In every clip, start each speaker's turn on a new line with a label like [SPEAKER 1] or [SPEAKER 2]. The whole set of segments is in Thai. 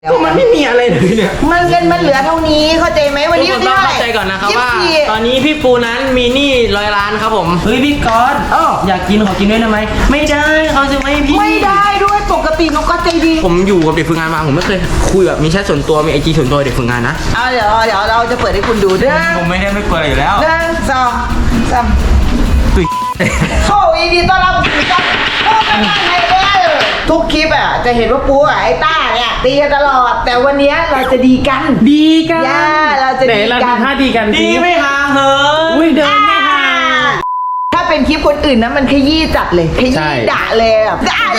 [SPEAKER 1] ก็มันไม่มีอะไรเลยเนี่ย
[SPEAKER 2] มันเงินมันเหลือเท่านี้เข้าใจไหมวันนี้
[SPEAKER 1] ทุกคนต้องเข้าใจก่อนนะครับว่าตอนนี้พี่ปูนั้นมีหนี้100 ล้านครับผมเฮ้ยพี่ก๊อตอยากกินขอกินด้วยได้ไหมไม่ได้เขาจะไม่ให้พี่
[SPEAKER 2] ไม่ได้ด้วยปกตินกก็ใจดี
[SPEAKER 1] ผมอยู่กับเด็กฝึกงานมาผมไม่เคยคุยแบบมีแชทส่วนตัวมีIGส่วนตัวเด็กฝึกงานนะ
[SPEAKER 2] เดี๋ยวเราจะเปิดให้คุณดูด้วย
[SPEAKER 1] ผมไม่ได้ไม่กลัวอยู่แล้ว
[SPEAKER 2] 1 2 3
[SPEAKER 1] ตุ้ย
[SPEAKER 2] โอ้ยดีต้อนรับสู่ช่องโอ้กันได้ไงทุกคลิปจะเห็นว่าปูไอ้ต้าเนี่ยตีกันตลอดแต่วันนี้เราจะดีกันเราจะดีกัน
[SPEAKER 3] ถ้าดีกัน
[SPEAKER 1] ดีไม่ห่างเหิน
[SPEAKER 3] เดินไม่ห่าง
[SPEAKER 2] ถ้าเป็นคลิปคนอื่นนะมันขยี้จัดเลยขยี้ด่าเลยแบบด่า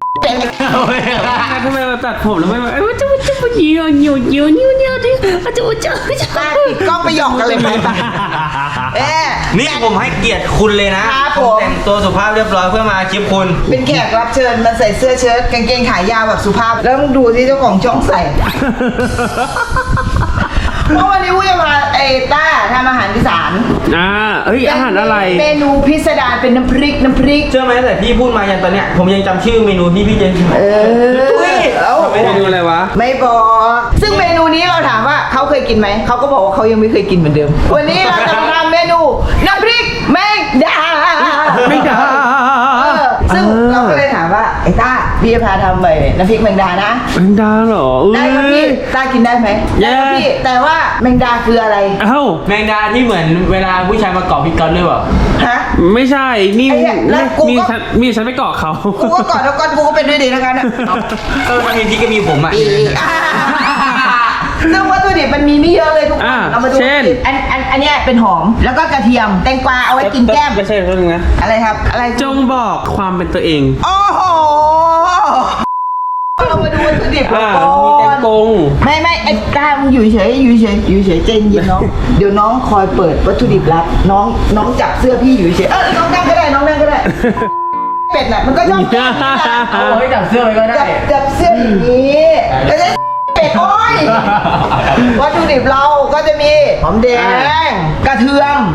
[SPEAKER 3] ทำไมมาตัดผมแล้วไม่มาจะเยี่ยวที่จะ
[SPEAKER 2] ป้าติดกล้องไปหยอกกันเลยไหมป้า
[SPEAKER 1] นี่ผมให้เกียรติคุณเลยนะผมแต่งตัวสุภาพเรียบร้อยเพื่อมาคลิปคุณ
[SPEAKER 2] เป็นแขกรับเชิญมันใส่เสื้อเชิ้ตกางเกงขายาวแบบสุภาพแล้วมึงดูที่เจ้าของช่องใส่เพราะวันนี้วูจะพาไอ้ต้าทำอาหารอีสาน
[SPEAKER 3] อาหารอะไร
[SPEAKER 2] เมนูพิสดารเป็นน้ำพริก
[SPEAKER 1] เชื่อไหมแต่พี่พูดมายันตอนเนี้ยผมยังจำชื่อเมนูที่พี่เจน
[SPEAKER 3] เมนูอะไรวะ
[SPEAKER 2] ไม่บอกซึ่งเมนูนี้เราถามว่าเขาเคยกินไหมเขาก็บอกว่าเขายังไม่เคยกินเหมือนเดิมวันนี้เราจะทำเมนูน้ำพริกแมงดาซึ่งเราก็เลยถามว่าไอ้ต้าพี่จะพาทำน้ำพริกแมงดานะ
[SPEAKER 3] แมงดาเหรอ
[SPEAKER 2] ได้ครับพี่ต้ากินได้ไหมได้ครับพี่แต่ว่าแมงดาคืออะไร
[SPEAKER 1] แมงดาที่เหมือนเวลาผู้ชายมาเกาะพี่ก๊อตด้วยเปล่า
[SPEAKER 3] ฮะไม่ใช่นี่มีฉันไปเกาะเขา
[SPEAKER 2] กูก็เกาะแล้วก้อนกูก็เป็นด้วยดีแล้วกัน
[SPEAKER 1] มันมีที่ก็มีผม
[SPEAKER 2] ซึ่งวัตถุดิบมันมีไม่เยอะเลยทุกคนเรามาดูอันนี้เป็นหอมแล้วก็กระเทียมแตงกวาเอาไว้กินแก้ม
[SPEAKER 3] ไม่ใช่เรื่องนะ
[SPEAKER 2] อะไรครับอะไร
[SPEAKER 3] จงบอกความเป็นตัวเอง
[SPEAKER 2] โอ้โหเรามาดูวัตถุดิบก่อน
[SPEAKER 3] มีแตงกง
[SPEAKER 2] ไม่ไอ้ตามึงอยู่เฉยเจนเย็นน้องเดี๋ยวน้องคอยเปิดวัตถุดิบลับน้องจับเสื้อพี่อยู่เฉยน้องนั่งก็ได้เป็ดน่ะมันก็ชอบ
[SPEAKER 1] เอาไว้จับเสื้อไว้ก็ได้
[SPEAKER 2] จับเสื้ออย่างนี้แล้วจะเป็ดโอ้ยวัตถุดิบเราก็จะมีหอมแดงกระเทียม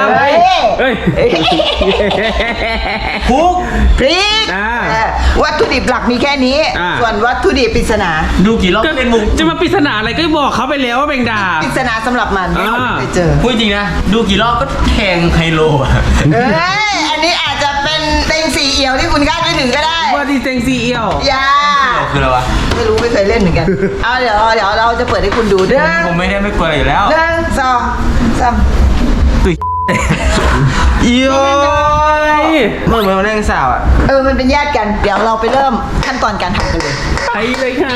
[SPEAKER 1] พุก
[SPEAKER 2] พริกวัตถุดิบหลักมีแค่นี้ส่วนวัตถุดิบปริศนา
[SPEAKER 1] ดูกี่รอบเป็นมุก
[SPEAKER 3] จะมาปริศนาอะไรก็บอกเขาไปแล้วว่าแมงดา
[SPEAKER 2] ปริศนาสำหรับมันไม่เคยเจอ
[SPEAKER 1] พูดจริงนะดูกี่รอบก็แทงไฮโล
[SPEAKER 2] อันนี้อาจจะเป็นเต็ง4 เอี่ยวที่คุณคาดไม่ถึงก็ได้
[SPEAKER 3] ว่าที่เต็ง4 เอี่ยว
[SPEAKER 1] คืออะไรวะ
[SPEAKER 2] ไม่รู้ไม่เคยเล่นเหมือนกันเดี๋ยวเราจะเปิดให้คุณดูด้วย
[SPEAKER 1] ผมไม่ได้ไม่กลัวอยู่แล้ว
[SPEAKER 2] 1 2 3
[SPEAKER 1] ตุ้ยเหมือนแรงสาว
[SPEAKER 2] มันเป็นญาติกันเดี๋ยวเราไปเริ่มขั้นตอนการทำกันเลย
[SPEAKER 3] ไปเลยค่ะ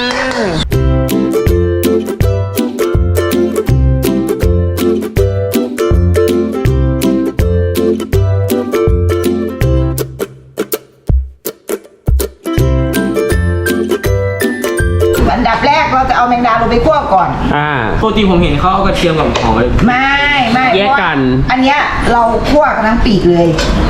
[SPEAKER 2] อันดับแรกเราจะเอาแมงดาลงไปคั่วก่อน
[SPEAKER 1] ปกติผมเห็นเขาเอากระเทียมกับหอม
[SPEAKER 2] ไม่
[SPEAKER 3] แยกกัน
[SPEAKER 2] อันเนี้ยเราคั่วกันทั้งปีกเลย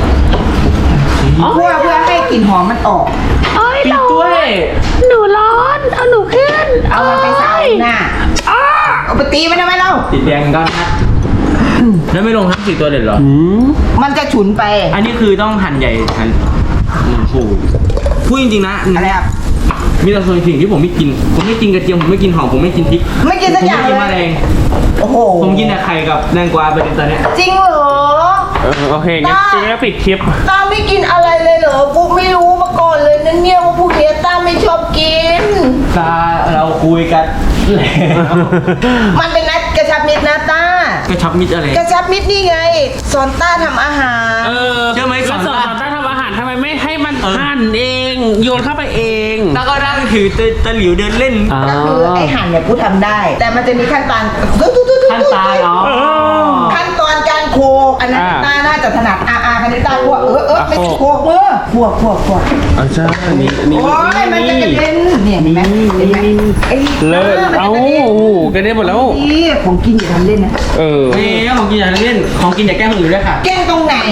[SPEAKER 2] คั่วเพื่อให้กลิ่นหอมมันออก
[SPEAKER 3] ปีกด้วย
[SPEAKER 4] หนูร้อนเอาหนูขึ้น
[SPEAKER 2] เอามันไปใส่หน้าเอาไปตีมันทำไมเรา
[SPEAKER 1] ติดแดงก็นะแล้วไม่ลงทั้ง4 ตัวเด็ดหรอ
[SPEAKER 2] มันจะฉุนไป
[SPEAKER 1] อันนี้คือต้องหั่นใหญ่หั่นพูดจริงๆนะ
[SPEAKER 2] อะไรครับ
[SPEAKER 1] มีแต่ส่วนสิ่งที่ผมไม่กินกระเทียมผมไม่กินหอมผมไม่กินพริก
[SPEAKER 2] ไม่กินสักอย่างเลย
[SPEAKER 1] ผมไม่กินแมลง
[SPEAKER 2] โอ้โห
[SPEAKER 1] ผมกินแต่ไข่กับแตงกวาไปตอนนี้
[SPEAKER 2] จริงเหรอ
[SPEAKER 3] โอเคงั้นปิดคลิป
[SPEAKER 2] ตาไม่กินอะไรเลยเหรอพวกไม่รู้มาก่อนเลยนั่นเนี่ยว่าพวกเนี้ยตาไม่ชอบกิน
[SPEAKER 1] ตาเราคุยกัน
[SPEAKER 2] มันเป็นนัดกระชับมิตรนะตาก
[SPEAKER 1] ระชับมิตรอะไร
[SPEAKER 2] กระชับมิตรนี่ไงสอนต้าทำอาหาร
[SPEAKER 1] ใช่ไหม
[SPEAKER 3] สอนต้าทำอาหารทำไมไม่ให้มันหั่นเองโยนเข้าไปเอง
[SPEAKER 1] แล้วก็นั่งถือตะหลิวเดินเล่น
[SPEAKER 2] ก็คือไอหั่นเนี่ยกูทำได้แต่มันจะมีขั้นตอนขั้นตอนการโคอันนั้นต้าน่าจะถนัดคันนี้ต้าพวกไม่โคมือพวก
[SPEAKER 3] ใช่นี่
[SPEAKER 2] โอ้ยมันจะกระเด็นเนี่ยเห็นไหมไอ้
[SPEAKER 3] กระเด็นหมดแล้ว
[SPEAKER 2] นี่ของกินอย่าทำเล่นนะ
[SPEAKER 1] ของกินอย่าเล่นของกินอย่าแกล้งคนอื่นด้วยค่ะ
[SPEAKER 2] แกล้งตรงไหน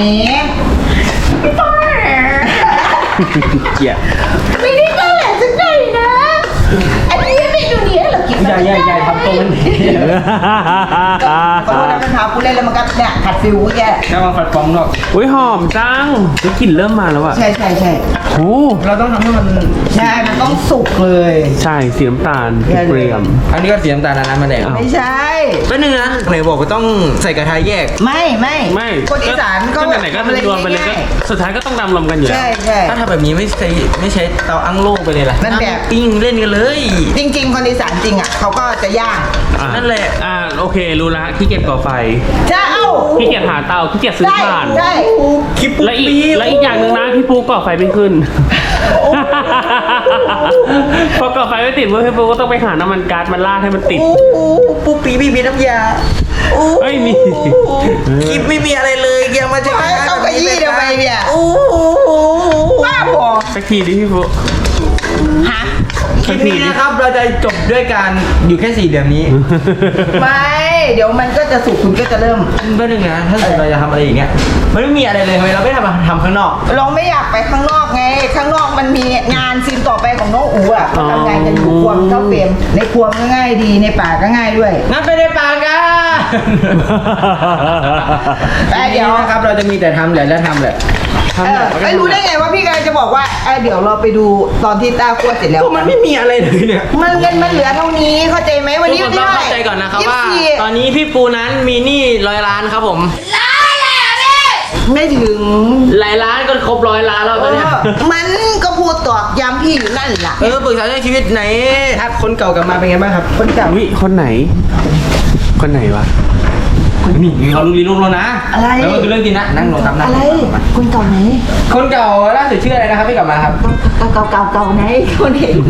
[SPEAKER 3] เกลียด
[SPEAKER 2] ไม่ได้แกล้งสักหน่อยนะอันนี้เมนูนี้เรากิน
[SPEAKER 1] ใหญ่ทำตัวมันดี
[SPEAKER 2] ขอโทษนะมันถามกูเล่นแล้วมันก็เนี่ยขัดฟิวกูแย่
[SPEAKER 1] กำลังฝัดฟองนอก
[SPEAKER 3] อุ้ยหอมจังได้กลิ่นเริ่มมาแล้วอะ
[SPEAKER 2] ใช่
[SPEAKER 3] โอ้
[SPEAKER 1] เราต้องทำให้มัน
[SPEAKER 2] ใช่มันต้องสุกเลย
[SPEAKER 3] ใช่สีน้ำตาลเปรี้ยว
[SPEAKER 1] อันนี้ก็สีน้ำตาลนะมาแดง
[SPEAKER 2] ไม่ใช่
[SPEAKER 1] ก็นึงนะไหนบอกว่าต้องใส่กระทะแยก
[SPEAKER 2] ไม่
[SPEAKER 3] ไม่
[SPEAKER 2] คนอีสานก็
[SPEAKER 3] ไหนๆก็รวมไปเลยก็สุดท้ายก็ต้องรวมกันอยู่แล้ว
[SPEAKER 2] ใช่
[SPEAKER 1] ถ้าทำแบบนี้ไม่ใช้เตาอั้งโล่ไปเลยล่ะ
[SPEAKER 2] มันแบบ
[SPEAKER 1] ปิ้งเล่นกันเลย
[SPEAKER 2] จริง ๆ คนอีสานจริงอ่ะเขาก็จะย่าง
[SPEAKER 3] อ่ะ
[SPEAKER 1] นั่นแหละ
[SPEAKER 3] โอเครู้ละขี้เกียจก่อไฟ
[SPEAKER 2] ใช่เอ้า
[SPEAKER 3] ขี้เกียจหาเตาขี้เกียจซื้อถ่าน
[SPEAKER 2] ใช่
[SPEAKER 1] คลิป
[SPEAKER 3] และอีกอย่างหนึ่งนะพี่ปูก่อไฟไม่ขึ้น พอก่อไฟไม่ติดพี่ปูก็ต้องไปหาน้ำมันก๊าซมาลาดให้มันติด
[SPEAKER 1] ปูปีบีบีน้ำยา
[SPEAKER 3] ไม่มี
[SPEAKER 1] คลิปไม่มีอะไรเลยยังมาจะ
[SPEAKER 2] เอากระยี่ทำไมเนี่ยบ้าบอ
[SPEAKER 3] สักทีดิพี่ปู
[SPEAKER 2] ฮะ
[SPEAKER 1] คลิปนี้นะครับเราจะจบด้วยการอยู่แค่4 เดือนนี้
[SPEAKER 2] ไม่เดี๋ยวมันก็จะสุกคุณก็จะเริ่ม
[SPEAKER 1] ก็นึงนะถ้าเราจะทำอะไรอย่างเงี้ยมันไม่มีอะไรเลยทำไมเราไม่ทำข้างนอก
[SPEAKER 2] เราไม่อยากไปข้างนอกไง ข้างนอกมันมีงานซีนต่อไปของน้องอู๋อ่ะเขาทำงานกันอยู่ครัวเท่าเฟรมในครัวก็ง่ายดีในป่าก็ง่ายด้วย
[SPEAKER 1] งั้นไปในป่ากัน
[SPEAKER 2] แต่เดี๋ยว
[SPEAKER 1] นะครับเราจะมีแต่ทำแหละและทำแหละ
[SPEAKER 2] ไม่รู้ได้ไงว่าพี่กำลังจะบอกว่าเดี๋ยวเราไปดูตอนที่ต้าคั่วเสร็จแล้ว
[SPEAKER 1] ก็มันไม่มีอะไรเลยเนี่ย
[SPEAKER 2] มันเงินมันเหลือเท่านี้เข้าใจไหมวัน
[SPEAKER 1] ทุก
[SPEAKER 2] นี้
[SPEAKER 1] คนต้องเข้าใจก่อนนะครับว่า
[SPEAKER 2] 24
[SPEAKER 1] ตอนนี้พี่ปูนั้นมีหนี้100 ล้านครับผม
[SPEAKER 2] ไม่ถึง
[SPEAKER 1] หลายล้านก็ครบ100 ล้านแล้วตอนเนี้ย
[SPEAKER 2] มันก็พูดตอกย้ำพี่อยู่นั่นแหละ
[SPEAKER 1] ปรึกษาเรื่องชีวิตไหนทักคนเก่ากลับมาเป็นไงบ้างครับ
[SPEAKER 2] คนเก่า
[SPEAKER 3] วิคนไหน คนไหนวะ
[SPEAKER 1] นี่เขารู้ลีลูกแล้วนะ
[SPEAKER 2] อะไร
[SPEAKER 1] แล้วก็คือเรื่องจริงนะนั่งลงครับนั่ง
[SPEAKER 2] อะไร
[SPEAKER 1] ลงครับ
[SPEAKER 2] คนเก่าไหน
[SPEAKER 1] คนเก่าล่าสุดชื่ออะไรนะครับพี่กลับมาครับ
[SPEAKER 2] เก่าไหนคนเห็น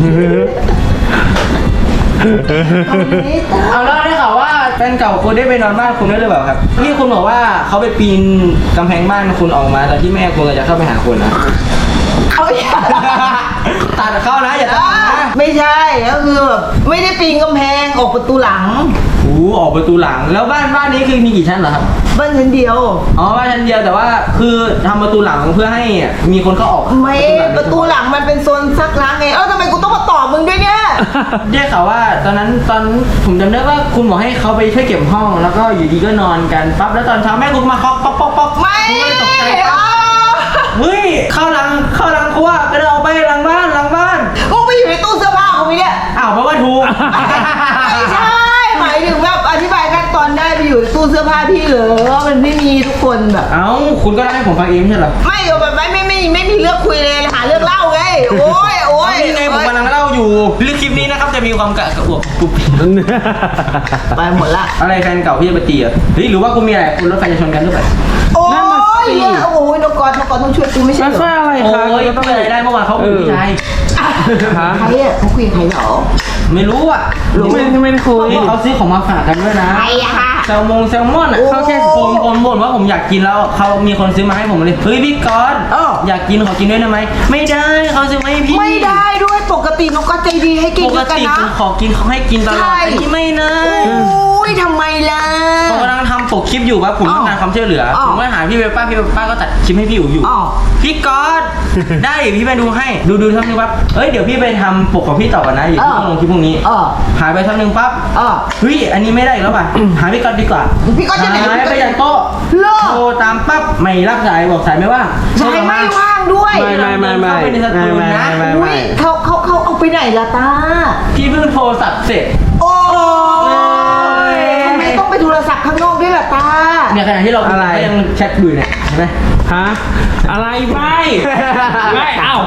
[SPEAKER 2] ตา
[SPEAKER 1] เอาแล้วได้ข่าวว่าแฟนเก่าคุณได้ไปนอนบ้านคุณด้วยหรือเปล่าครับที่คุณบอกว่าเขาไปปีนกำแพงบ้านคุณออกมาตอนที่แม่คุณจะเข้าไปหาคุณนะ
[SPEAKER 2] เขาอย่า
[SPEAKER 1] ตัดเข้านะอย่าตัดนะ
[SPEAKER 2] ไม่ใช่ก็คือแบบไม่ได้ปีนกำแพงออกประตูหลัง
[SPEAKER 1] ออกประตูหลังแล้วบ้านนี้คือมีกี่ชั้นเหรอครับ
[SPEAKER 2] บ้านชั้นเดียว
[SPEAKER 1] อ๋อบ้านชั้นเดียวแต่ว่าคือทำประตูหลังเพื่อให้มีคนเข้าออก
[SPEAKER 2] ไม่ประตูหลังมันเป็นโซนซักล้างไงทำไมกูต้องมาตอบมึงด้วยเนี่ย
[SPEAKER 1] ได้ข่าวว่าตอนผมจำได้ว่าคุณบอกให้เขาไปช่วยเก็บห้องแล้วก็อยู่ดีก็นอนกันปั๊บแล้วตอนเช้าแม่คุณมาเคาะป๊อกป๊อกป๊อก
[SPEAKER 2] ไม่
[SPEAKER 1] ผมก็เลยตกใจปั๊บเฮ้ยเข้าหลังครัวก็เลยออกไปหลังบ้าน
[SPEAKER 2] มึงไปอยู่ในตู้เสื้อผ้าของมึงเนี่ย
[SPEAKER 1] อ้าวแปลว่าถูก
[SPEAKER 2] ไม่ใช่หมายถึงแบบอธิบายขั้นตอนได้ไปอยู่ในตู้เสื้อผ้าพี่เหรอมันไม่มีทุกคนแบบ
[SPEAKER 1] เอ้าคุณก็เล่าให้ผมฟังเองไม่ใช่เหรอ
[SPEAKER 2] ไม่เอาแบบไม่มีเรื่องคุยเลยหาเรื่องเล่าไงโอ้ย
[SPEAKER 1] นี่ไงผมกำลังเล่าอยู่เรื่องคลิปนี้นะครับจะมีความกระอวบกรุบ
[SPEAKER 2] ไปหมดละ
[SPEAKER 1] อะไรแฟนเก่าพี่จะมาตีอ่ะเฮ้ยหรือว่าคุณมีอะไรคุณรถไฟจะชนกันหรือเปล่า
[SPEAKER 2] โอ้ยเนี่ยโอ้ยนกกรต้องช่วยกูไม่ใช่
[SPEAKER 3] แล้ว
[SPEAKER 2] เหร
[SPEAKER 3] ช่วย
[SPEAKER 2] อ
[SPEAKER 3] อะไร
[SPEAKER 1] โอ้
[SPEAKER 3] คะ
[SPEAKER 1] ยต้องอะไรได้เมื่อวานเขาคุยกับผู้ชาย
[SPEAKER 2] ใครอ่ะเขาคุยกับใครเหรอ
[SPEAKER 1] ไม่รู้อ่ะ
[SPEAKER 3] ไม่ได้คุย
[SPEAKER 1] เห็นเขาซื้อของมาฝากกันด้วยนะ
[SPEAKER 2] ใครอะคะ
[SPEAKER 1] แซลมอนอ่ะ
[SPEAKER 2] โอ้
[SPEAKER 1] เขาแค่ผมบ่นว่าผมอยากกินแล้วเขามีคนซื้อมาให้ผมเลยเฮ้ยพี่ก๊อต
[SPEAKER 2] อ้าว
[SPEAKER 1] อยากกินขอกินด้วยได้ไหมไม่ได้เขาซื้อมาให้พี่
[SPEAKER 2] ไม่ได้ด้วยปกตินกก็ใจดีให้กิน
[SPEAKER 1] ปก
[SPEAKER 2] ด้วยกัน
[SPEAKER 1] ติ
[SPEAKER 2] นะ
[SPEAKER 1] ผมขอกินเขาให้กินตลอด
[SPEAKER 2] ใช่
[SPEAKER 1] อันนี้ไม่นะ
[SPEAKER 2] โอ้ยทำไมล่ะ
[SPEAKER 1] ผมกำลังทำปกคลิปอยู่ว่าผมต้องการความช่วยเหลือ
[SPEAKER 2] อ้าว
[SPEAKER 1] ผมก็หาพี่เปป้าก็ตัดคลิปให้พี่อยู่
[SPEAKER 2] อ้าว
[SPEAKER 1] พี่ก๊อต ได้เดี๋ยวพี่ไปดูให้ดูทักนึงปั๊บเอ้ยเดี๋ยวพี่ไปทำปกของพี่ต่อกันนะเดี๋ยวพี่ต้องลงคลิปพรุ่งนี้ หายไปทักนึงปั๊บ เฮ้ยอันนี้ไม่ได้อีกแล้วป่ะ หาพี่ก๊อตดีกว่า
[SPEAKER 2] พี่ก๊อตจะไหน
[SPEAKER 1] หายไปจากโต๊ะ
[SPEAKER 2] เลิก
[SPEAKER 1] โทรตามปั๊บไม่รับสายบอกสายไม่ว่าง
[SPEAKER 2] ใช่ไม่ว่างด้วย
[SPEAKER 3] ไม่
[SPEAKER 1] เข้าไปในสตูนะ
[SPEAKER 2] อุ้ยเขาเอาไปไหนล่ะตา
[SPEAKER 1] พี่เพิ่งโทรศัพท์เสร็จ
[SPEAKER 2] โอ้ย
[SPEAKER 1] ย
[SPEAKER 2] ทำไมต้องไปโทรศัพท์ข้างนอกด้วยล่ะตา
[SPEAKER 1] เนี่ยขณะที่เรา
[SPEAKER 3] อะไร
[SPEAKER 1] ก็ยังแชทอยู่เนี่ยเห็นไหม
[SPEAKER 3] ฮะอะไรไม่เอ้า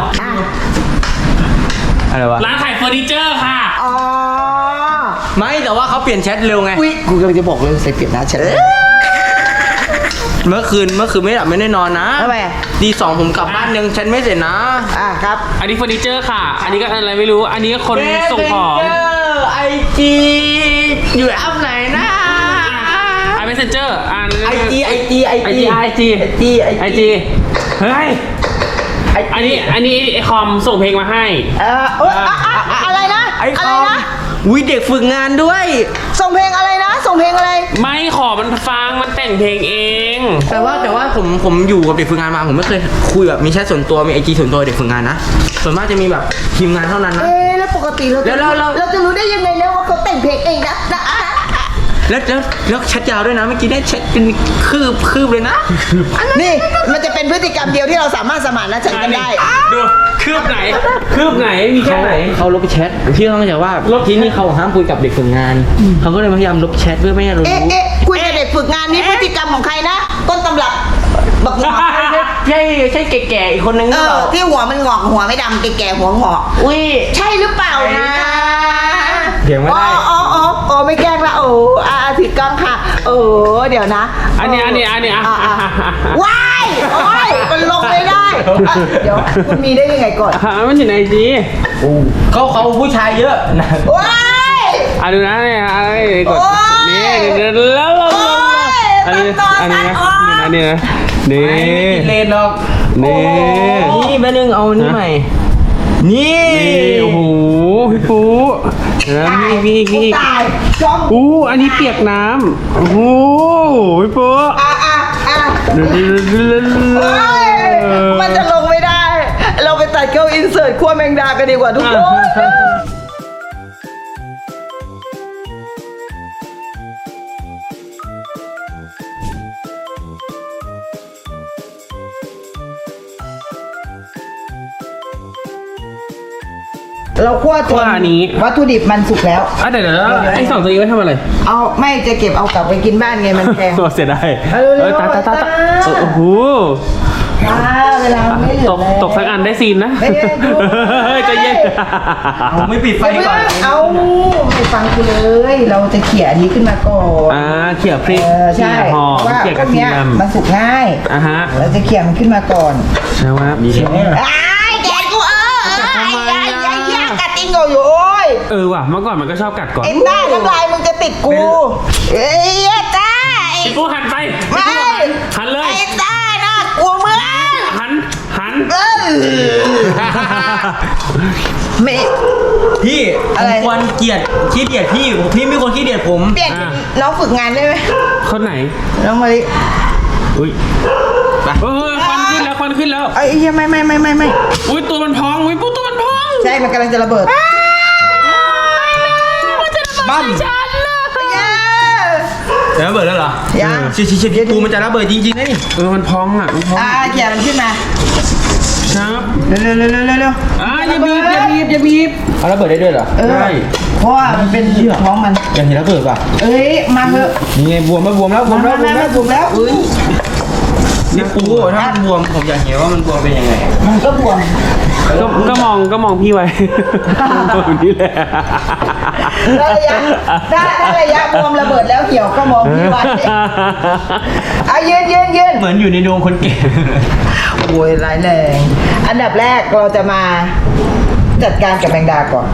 [SPEAKER 1] อะไรวะ
[SPEAKER 3] ร้านขายเฟอร์นิเจอร์ค่ะ
[SPEAKER 2] อ๋อ
[SPEAKER 1] ไม่แต่ว่าเขาเปลี่ยนแชทเร็วไง
[SPEAKER 2] อุ้ยกูกำลังจะบอกเลยใส่เปลี่ยนหน้าฉัน
[SPEAKER 1] เมื่อคืนไม่หลับไม่ได้นอนนะ
[SPEAKER 2] ทำไม
[SPEAKER 1] ตีสองผมกลับบ้านยังแชทไม่เสร็จนะ
[SPEAKER 2] ครับ
[SPEAKER 3] อันนี้เฟอร์นิเจอร์ค่ะ อันนี้ก็อะไรไม่รู้ อันนี้ก็คนส่งของ
[SPEAKER 1] ไอจีอยู่แอปไหนนะ
[SPEAKER 3] ไอเมสเซนเจอร์
[SPEAKER 1] ไอจี
[SPEAKER 3] ไอจีเฮ้ยอันนี้ไอคอมส่งเพลงมาให้
[SPEAKER 2] อะไรนะ
[SPEAKER 1] ไอค
[SPEAKER 2] อะไร
[SPEAKER 1] อม
[SPEAKER 2] นะ
[SPEAKER 1] วิเด็กฝึกงานด้วย
[SPEAKER 2] ส่งเพลงอะไรนะ ส่งเพลงอะไร
[SPEAKER 3] ไม่ขอมันฟังมันแต่งเพลงเอง
[SPEAKER 1] แต่ว่าผมอยู่กับเด็กฝึกงานมาผมไม่เคยคุยแบบมีแชทส่วนตัวมีไอจีส่วนตัวเด็กฝึกงานนะส่วนมากจะมีแบบทีมงานเท่านั้นนะ
[SPEAKER 2] แล้วปกติเราจะ
[SPEAKER 1] แล้ว
[SPEAKER 2] เราจะรู้ได้ยังไงนะว่าเขาแต่งเพลงเพลงเองนะ
[SPEAKER 1] แล้วแชทยาวด้วยนะเมื่อกี้ได้แชทเป็นคืบเลยนะ
[SPEAKER 2] นี่มันจะเป็นพฤติกรรมเดียวที่เราสามารถสมานฉันท์กันได้
[SPEAKER 3] ดูคืบไหนมีแค่ไหน
[SPEAKER 1] เขาลบแชทพี่ต้องเข้าใจว่าที่นี่เขาห้ามคุยกับเด็กฝึกงานเขาก็เลยพยายามลบแชทเพื่อไม่ให้เรารู้
[SPEAKER 2] คุยกับเด็กฝึกงานนี่พฤติกรรมของใครนะต้นตำรับบักหงอก
[SPEAKER 1] ใช่แก่ๆอีกคนนึงหรือเปล่า
[SPEAKER 2] ที่หัวมันงอกหัวไม่ดำแก่ๆหัวงอก
[SPEAKER 1] อุ้ย
[SPEAKER 2] ใช่หรือเปล่านะ
[SPEAKER 1] เถียงไม่ได้
[SPEAKER 2] อ๋อไม่แกล้งละถือกล้องค่ะเดี๋ยวนะ
[SPEAKER 3] อันนี้
[SPEAKER 2] ว้ายโอ้ยมันลงไม่ได้เดี๋ยวคุณมีได้ยังไงก่อน
[SPEAKER 3] มันอยู่ในจี
[SPEAKER 1] เขาผู้ชายเยอะนะ
[SPEAKER 2] ว้าย
[SPEAKER 3] ดูนะเนี่ยกดนี่แล้วอันนี้นะนี่
[SPEAKER 1] ไม่ติดเลนหรอก
[SPEAKER 3] นี่
[SPEAKER 1] นี่แม่นึงเอานี่ใหม่นี่
[SPEAKER 3] โอ้โหพี่ปูแล้วมีอีก
[SPEAKER 2] ตายจอม
[SPEAKER 3] อันนี้เปียกน้ำโอ้โหพี่ปู
[SPEAKER 2] มันจะลงไม่ได้ เราไปตัดเข้าอินเสิร์ตขั้วแมงดากันดีกว่าทุกคนเราคั่วจนวัตถุดิบมันสุกแล้ว
[SPEAKER 3] เดี๋ยวไอ้2ตัวนี้ไว้ทำอะไร
[SPEAKER 2] เอาไม่จะเก็บเอากลับไปกินบ้านไงมันแพง
[SPEAKER 3] เสียดาย
[SPEAKER 2] ตา
[SPEAKER 3] โอ้โห
[SPEAKER 2] เวลาไม่เหลือ
[SPEAKER 3] ตกสักอันได้ซีนนะ
[SPEAKER 2] ไม่ได้ดู
[SPEAKER 3] ใจเย็น
[SPEAKER 1] ผมไม่ปิดไฟก่อน
[SPEAKER 2] เอาไม่ฟังกูเลย เราจะเขี่ยอันนี้ขึ้นมาก่อน
[SPEAKER 3] เขี่ยพริก
[SPEAKER 2] ใช่
[SPEAKER 3] หอม
[SPEAKER 2] ว่า
[SPEAKER 3] เขี่ย
[SPEAKER 2] พ
[SPEAKER 3] ก
[SPEAKER 2] ว
[SPEAKER 3] ระ
[SPEAKER 2] ก
[SPEAKER 3] เที
[SPEAKER 2] เนี้
[SPEAKER 3] ย
[SPEAKER 2] ย
[SPEAKER 3] ม
[SPEAKER 2] มันสุกง่าย เราจะเขี่ยมันขึ้นมาก่อน
[SPEAKER 3] ใช่ไหมมีใช่ไหม
[SPEAKER 2] แกกูยากกัดติงอยู่โอ้ย
[SPEAKER 3] ว่ะเมื่อก่อนมันก็ชอบกัดก่อน
[SPEAKER 2] ไอ้ต้าน้ำลายมึงจะติดกูเอ้ยต้า
[SPEAKER 3] พี่ปูหันไป
[SPEAKER 2] ไม่
[SPEAKER 3] หันเลย
[SPEAKER 2] ไอ้ต้าน่ากลัวมึง
[SPEAKER 3] หัน
[SPEAKER 2] ไม่
[SPEAKER 1] พี่
[SPEAKER 2] อะไร
[SPEAKER 1] ผมควรขี้เกียจพี่ไม่ควรขี้เกียจผม
[SPEAKER 2] เปลี่ยนเป็นน้องฝึกงานได้ไหม
[SPEAKER 3] คนไหน
[SPEAKER 2] น้องมาลิ
[SPEAKER 3] อุ้ยควันขึ้นแล้ว
[SPEAKER 2] ไอ้เหี้ยไม่
[SPEAKER 3] อุ้ยตัวมันพองอุ้ยปูตัวมันพอง
[SPEAKER 2] ใช่มันกำลังจะระเบิด
[SPEAKER 1] ปั้ม จะระเบิดแล้วเหรอ
[SPEAKER 2] ยัง
[SPEAKER 1] ชิปูมันจะระเบิดจริงๆนะนี่
[SPEAKER 3] มันพองมันพอง
[SPEAKER 2] เขี่ยมันขึ้นมา
[SPEAKER 3] ครับ
[SPEAKER 2] เร็ว
[SPEAKER 3] อย่าบีบ
[SPEAKER 1] เอาระเบิดได้ด้วยเหรอ
[SPEAKER 3] ได้
[SPEAKER 2] เพราะว่ามันเป็นท้องมัน
[SPEAKER 1] อยากเห็นระเบิดป่ะ
[SPEAKER 2] เอ้ยมาเถอะ
[SPEAKER 1] นี่ไงบวมแล้ว
[SPEAKER 2] มาแล้วอุ้ย
[SPEAKER 1] นี่ปูถ้ามันบวมผมอยากเห็นว่ามันบวมเป็นยังไง
[SPEAKER 2] มันก็บวม
[SPEAKER 3] ก็มองพี่ไว้ตัวนี้แหละ
[SPEAKER 2] ถ้าระยะบวมระเบิดแล้วเหี่ยวก็มองพี่ไว้ยืน
[SPEAKER 1] เหมือนอยู่ในดวงคนแก่
[SPEAKER 2] โอ้ยร้ายแรงอันดับแรกเราจะมาจัดการกับแมงดาก่อน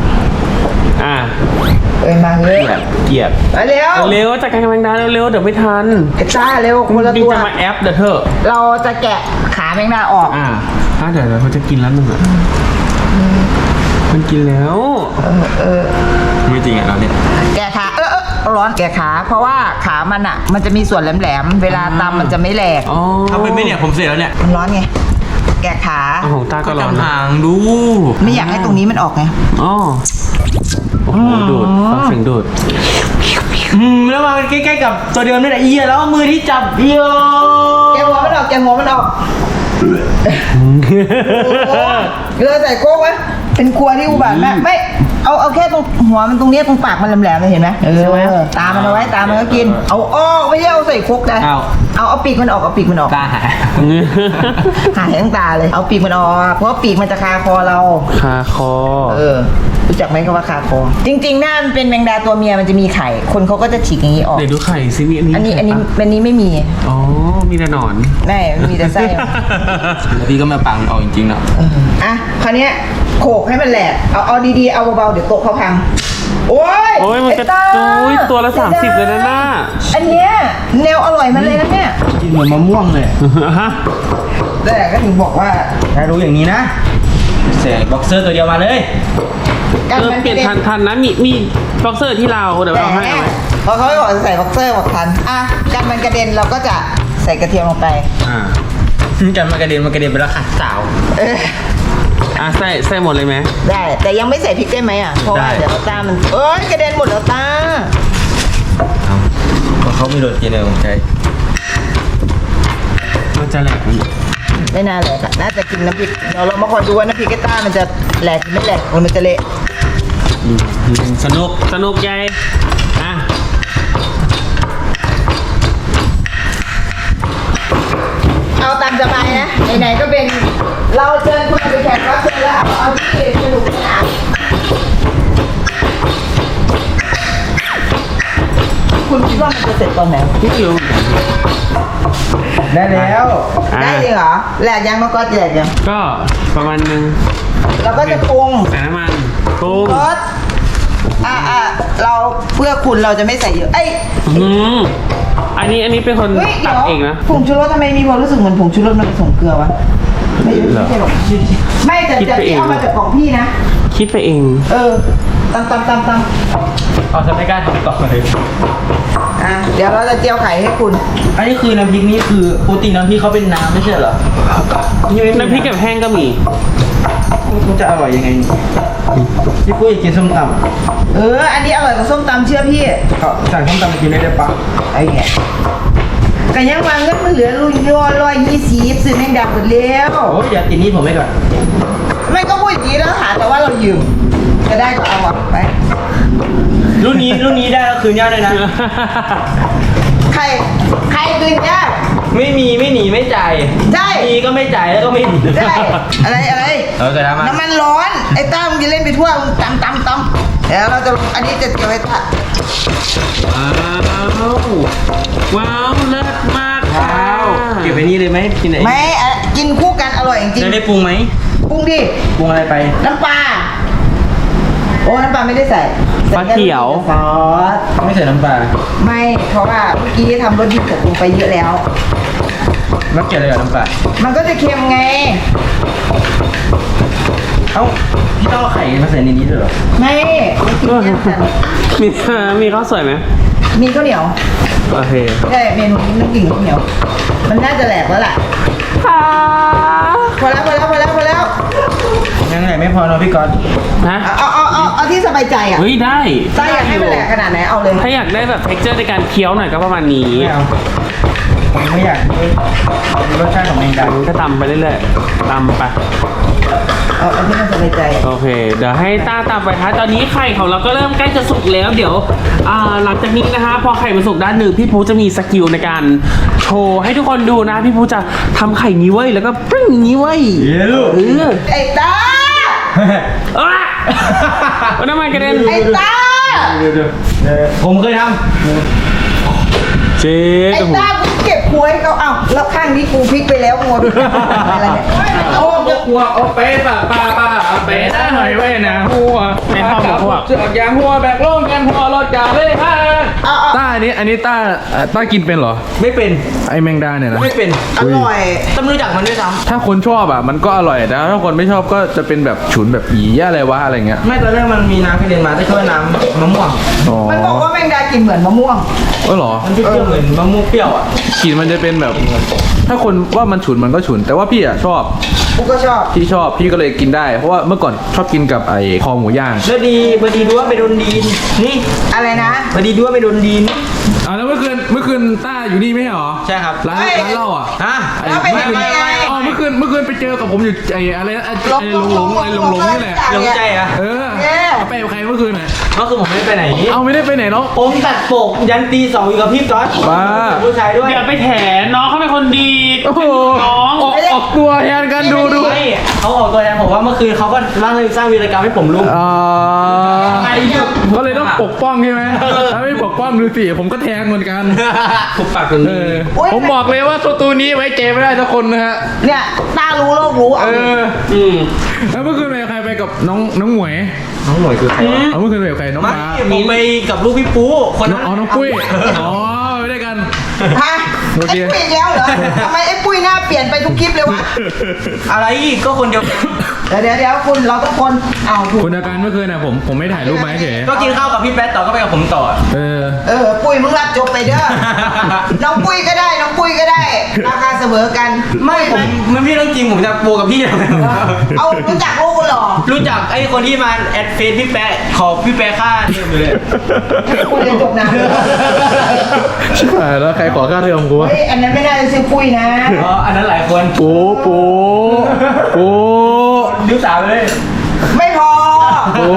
[SPEAKER 2] มาเลย
[SPEAKER 1] เกลียด
[SPEAKER 2] มาเร็ว
[SPEAKER 3] เร็วจัดการกำลังดาเร็วเดี๋ยวไม่ทัน
[SPEAKER 2] ไอ้ต้าเร็วคนละ
[SPEAKER 3] จริง
[SPEAKER 2] ตัว
[SPEAKER 3] จะมาแอปเดี๋ยวเถอะ
[SPEAKER 2] เราจะแกะขาแมงดาออก
[SPEAKER 3] เดี๋ยวเขาจะกินแล้วนึงมันกินแล้ว
[SPEAKER 1] ไม่จริงอ่ะเราเนี่ย
[SPEAKER 2] แกะขาร้อนแกะขาเพราะว่าขามันอ่ะ มันจะมีส่วนแหลมๆเวลาตำมันจะไม่แหลก
[SPEAKER 1] ทำไปไม่เนี่ยผมเสร็จแล้วเนี่ย
[SPEAKER 2] มันร้อนไงแกะขา
[SPEAKER 3] ของตาก็ร้อน
[SPEAKER 1] ห่างดู
[SPEAKER 2] ไม่อยากให้ตรงนี้มันออกไง
[SPEAKER 3] โอ้โหดูดฟังเสียงดูด
[SPEAKER 1] แล้วมาใกล้ๆกับตัวเดิมนี่แหละเอียแล้วมือที่จับเอีย
[SPEAKER 2] แกะหัวมันออกเราใส่โก้ไว้เป็นครัวที่อุบาทมากไม่เอาแค่ตรงหัวมันตรงนี้ตรงปากมันแหลมๆเลยเห็นไหมตามันเอาไว้ตามันก็กินเอาอ้อไม่ใช่เอาใส่ครกนะเอาปีกมันออก
[SPEAKER 1] ตาหาย
[SPEAKER 2] หายทั้งตาเลยเอาปีกมันออกเพราะปีกมันจะคาคอเรา
[SPEAKER 3] คาคอ
[SPEAKER 2] รู้จักไหมคำว่าคาคอจริงๆหน้ามันเป็นแมงดาตัวเมียมันจะมีไข่คนเขาก็จะฉีกอย่างนี้ออก
[SPEAKER 3] เดี๋ยวดูไข่ซิมี
[SPEAKER 2] อันนี้ไม่มี
[SPEAKER 3] อ๋อมีแต่หนอน
[SPEAKER 2] ไม่มีแต่ไส้
[SPEAKER 1] แล้วพี่ก็มาปังเอาจริงๆเนาะ
[SPEAKER 2] คราวนี้โขกให้มันแหลกเอาดีๆเอาเบาๆเดี๋ยวโต๊ะเขาพังโอ้ย
[SPEAKER 3] มันจะตัวละ30เลยนะหน้า
[SPEAKER 2] อันเนี้ยแนวอร่อยมันเลยนะเนี่ย
[SPEAKER 1] กินเหมือนมะม่วงเลย
[SPEAKER 2] แต่ก็ถึงบอกว่า
[SPEAKER 1] ถ้ารู้อย่างนี้นะใส่บ็อกเซอร์ตัวเดียวมาเลย
[SPEAKER 3] เปลี่ยนทันนะมีบ็อกเซอร์ที่เราเดี๋ยวเราให้เอาไว้
[SPEAKER 2] พอเขาไม่บอกจะใส่บ็อกเซอร์บอกทันกันมันกระเด็นเราก็จะใส่กระเทียมลงไป
[SPEAKER 1] กันมากระเด็นไปแล้วค่ะสาว
[SPEAKER 3] ใส่หมดเลยไหม
[SPEAKER 2] ได้ แต่ยังไม่ใส่พริกได้ไหมอ่ะ เพราะว่าเดี๋ยวตามันเอ้ยกระเด็นหมดแล้วตา
[SPEAKER 1] เพราะเขามีโรตีในของใช้
[SPEAKER 3] มันจะแหลกมัน
[SPEAKER 2] ไม่น่าแหลกอะน่าจะกินน้ำพริกเดี๋ยวเรามาคอยดูว่าน้ำพริกไอ้ต้ามันจะแหลกหรือไม่แหลกหรือมันจะเละ
[SPEAKER 1] สนุก
[SPEAKER 3] ใหญ่อ่ะ
[SPEAKER 2] เอาตามสบายนะไหนๆก็เป็นเราเชิญคุณไปแขกรับเชิญแล้วเอาที่สนุกสนานคุณคิดว่ามันจะเสร็จตอนไหน
[SPEAKER 3] พี่คิว
[SPEAKER 1] ได้แล้ว
[SPEAKER 2] ได้จริงเหรอแหลกยังมันก็แหลกยัง
[SPEAKER 3] ก็ประมาณนึง
[SPEAKER 2] เราก็จะปรุง
[SPEAKER 3] ใส่น้ำมันปรุง
[SPEAKER 2] รสเราเพื่อคุณเราจะไม่ใส่เยอะเอ้ย
[SPEAKER 3] อันนี้เป็นคน
[SPEAKER 2] เฮ้ย
[SPEAKER 3] ตั
[SPEAKER 2] เดี๋
[SPEAKER 3] ด
[SPEAKER 2] ยว
[SPEAKER 3] เองนะ
[SPEAKER 2] ผงชูรสทำไมมีความรู้สึกเหมือนผงชูรสมันผสมเกลือวะไม่ใช่หรอกไม่แต่
[SPEAKER 3] คิด
[SPEAKER 2] จะ
[SPEAKER 3] ไปเอง
[SPEAKER 2] เอามาจากของพี่นะ
[SPEAKER 3] คิดไปเอง
[SPEAKER 2] ตำ
[SPEAKER 1] เอาจะไม่กล้าทำต่อเลย
[SPEAKER 2] เดี๋ยวเราจะเจียวไข่ให้คุณ
[SPEAKER 1] อันนี้คือน้ำพริกนี่คือปกติน้ำพริกเขาเป็นน้ำไม่ใช่เหรอนี่ไม่มี
[SPEAKER 3] น้ำพริกกับแห้งก็มี
[SPEAKER 1] มันจะอร่อยยังไงพี่ปุ้ยกินส้มต
[SPEAKER 2] อันนี้อร่อยกว่าส้มตำเชื่อพี่
[SPEAKER 1] ำเขาสั่งส้มตำมากินได้ปะ
[SPEAKER 2] ไอ้เงี้ยกันยังวางเงินมันเหลือ120ซื้อแมงดาหมดแล้ว
[SPEAKER 1] โอ้ยอย่าติดหนี้ผมไว้ก่อน
[SPEAKER 2] ไม่ก็พูดอย่างนี้แล้วหาแต่ว่าเรายืมจะได้ก็เอาไป
[SPEAKER 1] รุ่นนี้ได้แล้วคืนยากเลยนะ
[SPEAKER 2] ใครคืนยาก
[SPEAKER 1] ไม่มีไม่หนีไม่จ่าย
[SPEAKER 2] ได้
[SPEAKER 1] มีก็ไม่จ่ายแล้วก็ไม่หนี
[SPEAKER 2] ได้อะไร
[SPEAKER 1] เราจะทำ
[SPEAKER 2] น้ำมันร้อนไอ้ต้ามึงจะเล่นไปทั่วมึงตำเดี๋ยวเราจะอันนี้จะเจียวให้ต้า
[SPEAKER 3] ว้าวเลิศมาก
[SPEAKER 1] ว้าวเก็บไว้นี่เลยไหมกินไหน
[SPEAKER 2] ไม่กินคู่กันอร่อยจริง
[SPEAKER 1] จะได้ปรุงไหม
[SPEAKER 2] ๆปรุงดิ
[SPEAKER 1] ปรุงอะไรไป
[SPEAKER 2] น้ำปลาโอ้น้ำปลาไม่ได้ใส่
[SPEAKER 3] ปลาเขียว
[SPEAKER 2] ซอส
[SPEAKER 1] ไม่ใส่น้ำปลา
[SPEAKER 2] ไม่เพราะว่าเมื่อกี้ทำรสดีตกลงไปเยอะแล้ว
[SPEAKER 1] แล้วเกี่ยวอะไรกับน้ำปลา
[SPEAKER 2] มันก็จะเค็มไง
[SPEAKER 1] เอ้าพี่ต้องเอาไข่มาใส่ในนี้ด้วยเหรอ
[SPEAKER 2] ไม่กินแยกกัน
[SPEAKER 3] มีข้าวสวยไหม
[SPEAKER 2] มีข้าวเหนียว
[SPEAKER 3] โอเค
[SPEAKER 2] ใช่เมนูนี้น้ำกิ่งข้าวเหนียว มันน่าจะแหลกแล้วล่ะพอแล้ว
[SPEAKER 1] ยังไงไม่พอเนาะพี่ก๊อต
[SPEAKER 3] ฮะ
[SPEAKER 2] เอาที่สบายใจอ่ะ
[SPEAKER 3] เฮ้ยได้
[SPEAKER 2] ต้าอยากให้มันแหลกขนาดไหนเอาเลย
[SPEAKER 3] ถ้าอยากได้แบบ texture ในการเคี้ยวหน่อยก็ประมาณนี้
[SPEAKER 1] ไม่เอาผมไม่อยากมีรสชาติของแมงดา
[SPEAKER 3] ก็ตำไปเรื่อยๆตำไป
[SPEAKER 2] เอาที่มันสบายใจ
[SPEAKER 3] โอเค เดี๋ยวให้ต้าตามไปท้ายตอนนี้ไข่ของเราก็เริ่มใกล้จะสุกแล้ว เดี๋ยวหลังจากนี้นะคะพอไข่มันสุกด้านหนึ่งพี่ภูจะมีสกิลในการโชว์ให้ทุกคนดูนะพี่ภูจะทำไข่นี้ไว้ยแล้วก็ปึ้งนี้ไว้ย
[SPEAKER 1] เย้ลูก
[SPEAKER 2] ไอ้ต้า
[SPEAKER 3] มันทำไมกระเด็น
[SPEAKER 2] ไอ้ต้า
[SPEAKER 1] ผมเคยท
[SPEAKER 3] เจ๊
[SPEAKER 2] ไอ้ต้ากูเก็บหวยเขาแล้วข้างนี้กูพลิกไปแล้วงัวอะไรเนี่ย
[SPEAKER 3] โอ้จะกลัวเอาเป๊ะป้าเอาเป๊ะหน่อยไว้นะหัวไม่เข้าหมดพวกเสือกยางหัวแบกโล่งกันหัวรถจ่าเลยค่ะ
[SPEAKER 5] ต้าอันนี้ต้ากินเป็นเหรอ
[SPEAKER 1] ำไม่เป็น
[SPEAKER 5] ไอแมงดาเนี่ยนะ
[SPEAKER 1] ไม่เป็น
[SPEAKER 2] อร่อย
[SPEAKER 1] ต้องรู้จักมันด้วยซ้
[SPEAKER 5] ถ้าคนชอบอ่ะมันก็อร่อยแต่ถ้าคนไม่ชอบก็จะเป็นแบบฉุนแบบอีอะไรวะอะไรเงี้ย
[SPEAKER 1] ำไม่ตอนแรกมันมีน้ำกระเด็นมาแต่ช่วยน้ำมะม่วง
[SPEAKER 5] อ๋อ
[SPEAKER 2] มันบอกว่าแมงดากินเหมือนมะม่วง
[SPEAKER 5] เหรอ
[SPEAKER 1] มันเปรี้ยวๆเหมือนมะม่วงเปรี้ยวอ่ะ
[SPEAKER 5] กลิ่นมันจะเป็นแบบ ถ้าคนว่ามันฉุนมันก็ฉุน แต่ว่าพี่อ่ะชอบ
[SPEAKER 2] กูก็ชอบ
[SPEAKER 5] พี่ก็เลยกินได้ เพราะว่าเมื่อก่อนชอบกินกับไอ้คอหมูย่าง
[SPEAKER 1] แล้วดีพอดีดูว่าไปโดนดีนนี่
[SPEAKER 2] อะไรนะ
[SPEAKER 1] พอดีดูว่าไปโดนดีน
[SPEAKER 5] แล้วเมื่อคืนต้าอยู่นี่ไม่ใช่เหรอ
[SPEAKER 1] ใช่ครับ
[SPEAKER 5] ร้าน
[SPEAKER 2] เฮ้ย
[SPEAKER 5] เหล้าอ่ะ
[SPEAKER 1] ฮะ
[SPEAKER 2] แล้วไปทำไมไง
[SPEAKER 5] อ๋อเมื่อคืนไปเจอกับผมอยู่ไอ้อะไรนะไอ้หลงนี่แหละ
[SPEAKER 1] หลงใจอ่ะ
[SPEAKER 5] เออไปกับใครเมื่อคืนอ่ะ
[SPEAKER 1] ก็คือผมไม่ได้ไปไหน
[SPEAKER 5] เอาไม่ได้ไปไหนเนาะ
[SPEAKER 1] ผมตัดปกยันตี 2อยู่กับพี่ก๊อต
[SPEAKER 5] บ้า
[SPEAKER 1] ผู้ชายด้วย
[SPEAKER 3] อย่าไปแถน้องเขาเป็นคนดี
[SPEAKER 5] โอ้โห
[SPEAKER 3] น้อง
[SPEAKER 5] ออกตัวแทนกันดู
[SPEAKER 1] ไม่เขาออกตัวแทนผมว่าเมื่อคืนเขาก็สร้างวีรกรรมให้ผมรู้
[SPEAKER 5] อ่า
[SPEAKER 1] ไอ้เหี้ย
[SPEAKER 5] ก็เลยต้องปกป้องใช่ไหมถ้าไม่ปกป้องดูสิผมก็แทงเหมือนกัน
[SPEAKER 1] ผมปากตรง
[SPEAKER 5] เอ
[SPEAKER 1] นี้
[SPEAKER 5] อผมบอกเลยว่าตัวนี้ไว้เจไม่ได้ทุกคนนะฮะ
[SPEAKER 2] เนี่ยต้ารู้โลกรู้
[SPEAKER 5] เอ
[SPEAKER 2] เอา
[SPEAKER 5] อแล้วเมื่อคืนไปกับใครไปกับน้องหมวย
[SPEAKER 1] น้องหน่วยคือใคร
[SPEAKER 5] เอาเมื่อคืนไปกับใครน้อง
[SPEAKER 1] ไม่
[SPEAKER 5] ฟ้า
[SPEAKER 1] ผมไปกับลูกพี่ปูคนนั้น
[SPEAKER 5] น้องปุ้ยอ๋อไปด้วยกัน
[SPEAKER 2] ฮะ
[SPEAKER 5] โอ
[SPEAKER 2] ไอ้
[SPEAKER 5] เค
[SPEAKER 2] ปุ้ยอีกแล้วเหรอทำไมไอ้ปุ้ยหน้าเปลี่ยนไปทุกคลิปเลยวะ
[SPEAKER 1] อะไรอีกก็คนเดียวกัน
[SPEAKER 2] เดี๋ยวคุณเราต้องคนเอาถูก
[SPEAKER 5] คุณอาการเมื่อคืนน่ะผมไม่ถ่ายรูปมาเฉย
[SPEAKER 1] ก็กินข้าวกับพี่แป๊ดต่อก็ไปกับผมต่อ
[SPEAKER 5] เออ
[SPEAKER 2] ปุ้ยมึงรับจบไปเด้อ น้องปุ้ยก็ได้ราคาเสมอกัน
[SPEAKER 1] ไม่ผมพี่เรื่องจริงผมจะโบกับพี่เลย
[SPEAKER 2] เอารู้จักโลกกันหรอ
[SPEAKER 1] รู้จักไอ้คนที่มาแอดเฟซพี่แปะขอพี่แปะค่าเทอมเลย
[SPEAKER 2] คุยเรียนจบนาน
[SPEAKER 5] ชิบหายแล้วใครขอค่าเทอมกูวะ
[SPEAKER 2] เฮ้ยอันนั้นไม่น่าจะชื่อปุ้ยนะ
[SPEAKER 1] อ๋ออันนั้นหลายคน
[SPEAKER 5] ปู
[SPEAKER 1] ยุสาวเลย
[SPEAKER 2] ไม่พอ
[SPEAKER 5] โอ้